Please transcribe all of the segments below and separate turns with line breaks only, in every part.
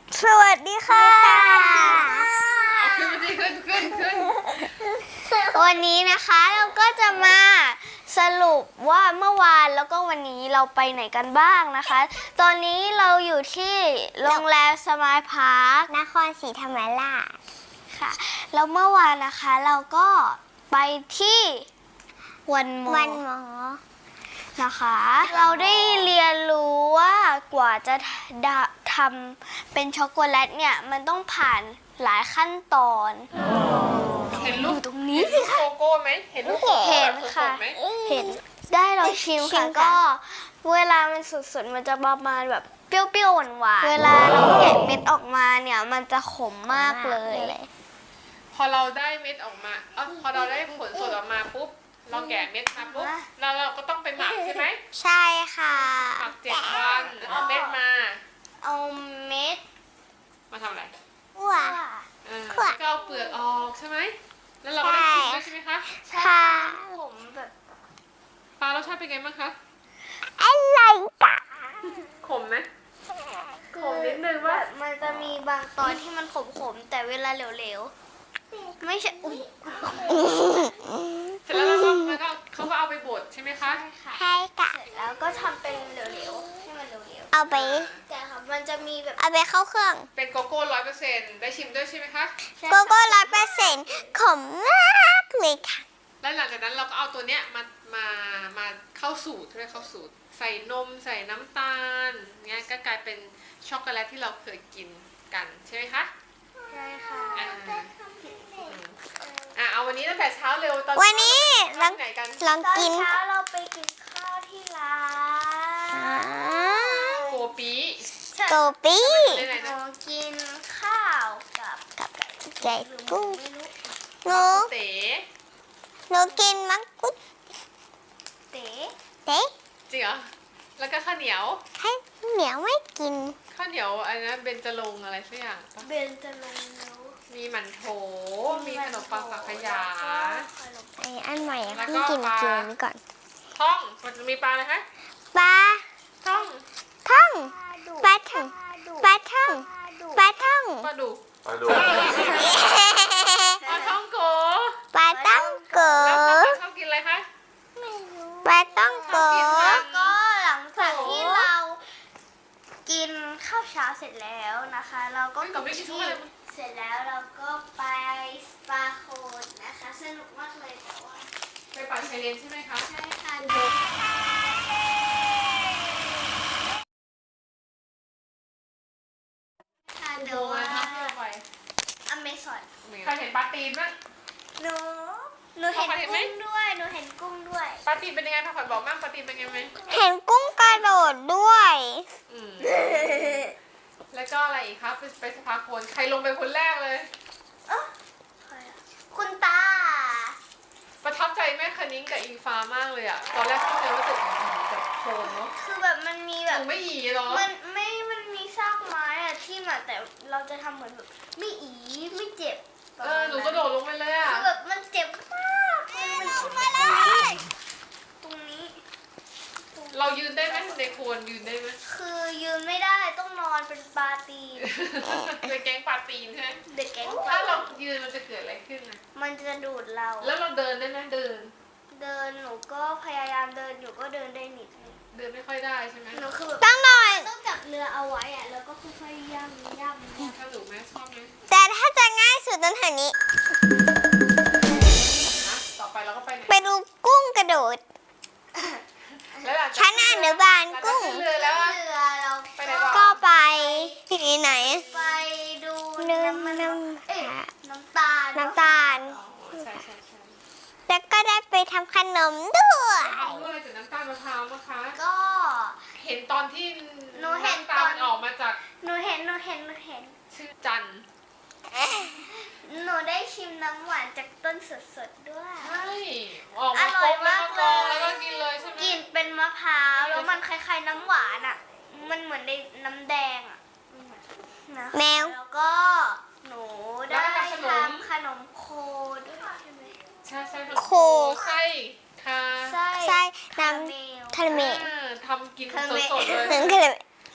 สวัสดีค่ะวันนี้นะคะเราก็จะมาสรุปว่าเมื่อวานแล้วก็วันนี้เราไปไหนกันบ้างนะคะ ตอนนี้เราอยู่ที่โรงแรมสมายพาร์คนครศรีธรรมราชค่ะแล้วเมื่อวานนะคะเราก็ไปที่วันหมอนะคะ เราได้เรียนรู้ว่ากว่าจะทำเป็นช็อกโกแลตเนี่ยมันต้องผ่านหลายขั้นตอน
เห็นรูป
ตรงนี้สิคะ
โกโก้ไหมเห็นรูปโกโก้
เห็น
แบบส
ค่ะ
ดๆไหม
เห็นได้เราชิมค่ะก็เวลามันสุดๆมันจะประมาณแบบเปรี้ยวๆหวานๆเวลาเราแกะเม็ดออกมาเนี่ยมันจะขมมากเลย
พอเราได้เม็ดออกมาพอเราได้ผลสดออกมาปุ๊บเราแกะเม็ดมาปุ๊บแล้วเราก็ต้องไปหมักใช่ไหม
ใช่ค่ะ
หมัก7 วันเอาเม็ดมา
เอาเม็ด
มาทำอะไร
คั่ว
แล้วก็เอาเปลือกออกใช่ไหมแล้วเราก็ได้ชิมด้วยใช่ไหมคะ
ค่ะผมแบบ
ปลารสชาติเป็นไงบ้างคะ
อะไรกะ
ขมไหมขมนิดนึงว่า
มันจะมีบางตอนที่มันขมๆแต่เวลาเหลวๆไม่ใช่อุ้ย
เสร็จแล้วเราก็เขาก็เอาไปบดใช่ไหมคะ
ใช่ค่ะเสร็จแล้วก็ทำเป็นเหลวๆให้มันเหลวๆเอาไปแต่ค่ะมันจะมีแบบเอาไปเข้าเครื่อง
เป็นโกโก้100%ได้ชิมด้วยใช่ไหมคะ
โกโก้100%ขมมากเลยค่ะ
แล้วหลังจากนั้นเราก็เอาตัวเนี้ยมาเข้าสูตรใช่ไหมเข้าสูตรใส่นมใส่น้ำตาลเนี้ยก็กลายเป็นช็อกโกแลตที่เราเคยกินกันใช่ไหมคะ
ใช่ค่ะ
เอาวันนี้ตั้งแต่เช้าเร็วตอน
วันนี้
ลองไหนกัน
ลองกินเช้าเราไปกินข้าวที่ร้าน
โกปี
โกปี้
ได้ไหน
ห
นะ
นูกินข้าวกับไก่กุ้งหนู
เต๋
หนูกินมังคุดเต๋
จริงเหรอแล้วก็ข้าวเหนียว
ให้เหนียวไม่กิน
ข้าวเหนียวอะไรนะเบญจรงค์อะไรสักอย่างปะ
เบนจะลงนิ้ว
มีหมันโถมีขนมปังสังขยา
ไออันใหม่
แล้ว
เพิ่
ก็
งกิน
ปลา
เจอนี้ก่อน
ท่องมันจะมีปลาอะไรคะ
ปลา
ท่อง
ท่องปลาท่องปลาท่องปลาท่อง
ปลาดุก
มาดู
ปลาท่องโก
ปลาต้องโก
แล้วเขาชอบกินอะไรคะ
ปลาต้องโก
แล้วก็
หลังจากที่เรากินข้าวเช้าเสร็จแล้วนะคะ เราก็
ก็ไม่กินทุกอะไรมัน
เสร็จแล้วเราก็ไปสปาโคนนะคะสนุกมากเลยแต่ว่า
ไปป่าชายเลนใช่ไหมคะ
ใช่ค่ะเดี๋ยวว่า
ที่เราไป
อเมซอน
ใครเห็นปลาตีนบ้าง
หนูเห็นกุ้งด้วยหนูเห็นกุ้งด้วย
ปลาตีนเป็นยังไงพาขวัญบอกมั่งปลาตีนเป็นยังไงไหม
เห็นกุ้งกระโดดด้วย
อืมแล้วก็อะไรอีกครับไปสภาโคนใครลงไปคนแรกเลย
คุณตา
ประทับใจแม่คณิ้งกับอิงฟ้ามากเลยอ่ะตอนแรกเข้าใจว่าจะแบบโคนเนาะ
คือแบบมันมี
ห
แบบ
นูไม่หยีเหรอ
มันมีซากไม้อะที่มาแต่เราจะทำเหมือนแบบไม่อีไม่เจ็บ
หนูกระโดดลงไปเลยอ่ะ
คือแบบมันเจ็บมากมันมาเลย ตรงนี้
เรายืนได้ไหมในโคนยืนได้ไหม
คือยืนไม่ได้ต้องนอนเป็นปลาตีน
เป็นแก๊งปลาตีนใช่ไหม
เด็กแก๊งปลา
ถ้าเรายืนมันจะเกิดอะไรขึ้นอ่ะ
มันจะดูดเรา
แล้วเราเดินได้ไหมเดิน
เดินหนูก็พยายามเดินอยู่ก็เดินได้นิดนึง
เดินไม่ค่อยได้ใช่ไหม
หนูคือแบบต้องหน่อยต้องจับเรือเอาไว้อะแล้วก็ค่อยๆย่ำ
ถ้าหนูไหมชอบไหม
แต่ถ้าจะง่ายสุดตรงแถวนี้
นะต่อไปเราก็ไปไหน
ไปดูกุ้งกระโดด
แล้วหลังจาก
ชั้นอนุบาลกุ้ง
หลัจากขึ้นเรือแล้วอะ
เรือเรา
ไปไหนต่อ
ก็ไปที่ไหน ไปดู
น้ำ
น้ำตาล
น้ำตาล
อ๋อใช่ใช่ใช่
แล้วก็ได้ไปทำขนมด้วย
เอาด้วยจากน้ำตาลมะพร้าวนะคะ
ก็
เห็นตอนที่
หนูเห็น
ำตาลออกมาจาก
หนูเห็น
ชื่อจันทร์
หนูได้ชิมน้ำหวานจากต้นสดๆด้วย
ใช่ออกมา
อร่
คร
อย
บแล้ว
มาก
ก็กรอง
เลย
แล้วก็กินเลยใช่ไหม
กลิ่นเป็นมะพร้าวแล้วมันคล้ายๆน้ำหวานอ่ะ มันเหมือนในน้ำแดงอ่ะนะคะ
แมว
แล้วก็หนูได้ทำขนมโคด้วยใช่ไหม
ใช่ใช่
โค
ไส้ค่ะ
ไส้
ไส้น้
คาราเมล
ำคาราเมล
ทำกิน
คาราเมล
สดๆเลย
ถึงคาราเมล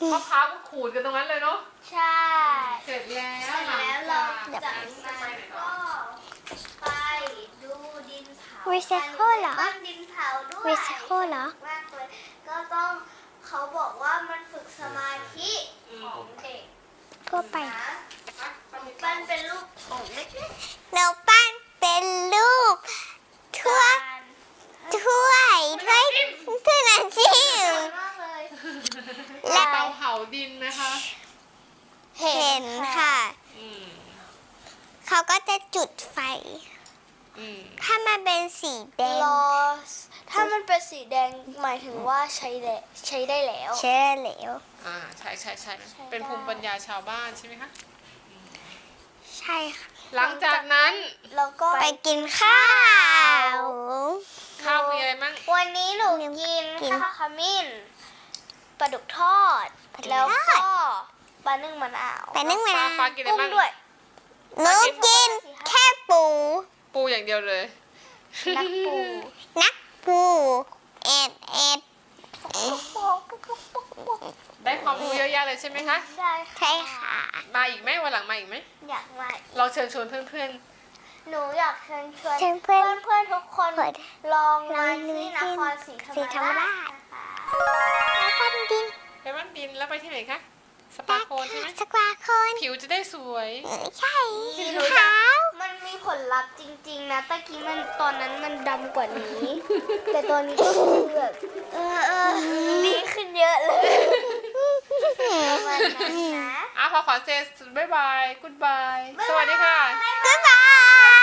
มะพร้าวก็ขูดกันตรงนั้นเลยเนาะ
ใช่
เสร็จแล้ว
แล้วเรา
หลัง
จาก
จาก
นั้นก็ไปดูดินเผา
Recycle เหรอ
บ้านดินเผาด้วย
Recycle เหรอ
มากเลยก็ต้องเขาบอกว่ามันฝึกสมาธิของเด็ก
ก็ไป
นะปั้นเป็นรูปของเล็ก
เราปั้นเป็นรูป
ๆ
ถ้วยถ้วยถ้วยถ้วยน้ำจิ้ม
มากเลย
และ
เตาเผาดินนะคะ
เห็นค่ะ
อืม
เขาก็จะจุดไฟ
อืม
ถ้ามันเป็นสีแดง
รอถ้ามันเป็นสีแดงหมายถึงว่าใช้ได้แล้ว
เชื่อเหลว
ใช่เป็นภูมิปัญญาชาวบ้านใช่ไหมคะ
ใช่ค่ะ
หลังจากนั้น
แล้วก็
ไปกินข้าว
ข้าวมีอะไรมั่ง
วันนี้หนูกิน
กิน
ข้าวขมิ้นปลาดุกทอด
ปลาดุกทอด
แล้วก็ปลานึ่งมะนาว
ไปนึ่งมะนาว
ฟ้ากินอะไร
กุ้ง
บ้าง
ด้วย
หนูกินแค่ปู
ปูอย่างเดียวเลย
นักปู
นักปูเอ็ดเอ็ด
ได้ความรู้เยอะแยะเลยใช่ไหมคะ
ได้
ใช่ค่ะ
มาอีกไหมวันหลังมาอีกไหม
อยากมา
ลองเชิญชวนเพื่อน
หนูอยากเชิญชวน
เชิญเพื่อน
เพื่อนๆทุกคน
เปิด
ลองมา
ลองดู
ที่นครศรีธรร
ศรีธรร
ม
ม
รา
รา
ช
ช
นะคะ
แล้วปั้นดิน
ๆไปบ้านดินแล้วไปที่ไหนคะ สปาโคนใช่ไหม
สกวาโคน
ผิวจะได้สวย
ใช่ขาว
มันมีผลลัพธ์จริงๆนะตะกี้มันตอนนั้นมันดำกว่านี้ แต่ตอนนี้ก็คือแบบดีขึ้นเยอะเลยประมาณนั้นนะ
พอขอเซสบ๊ายบาย กู๊ดบาย สวัสดีค่ะ
บ๊ายบาย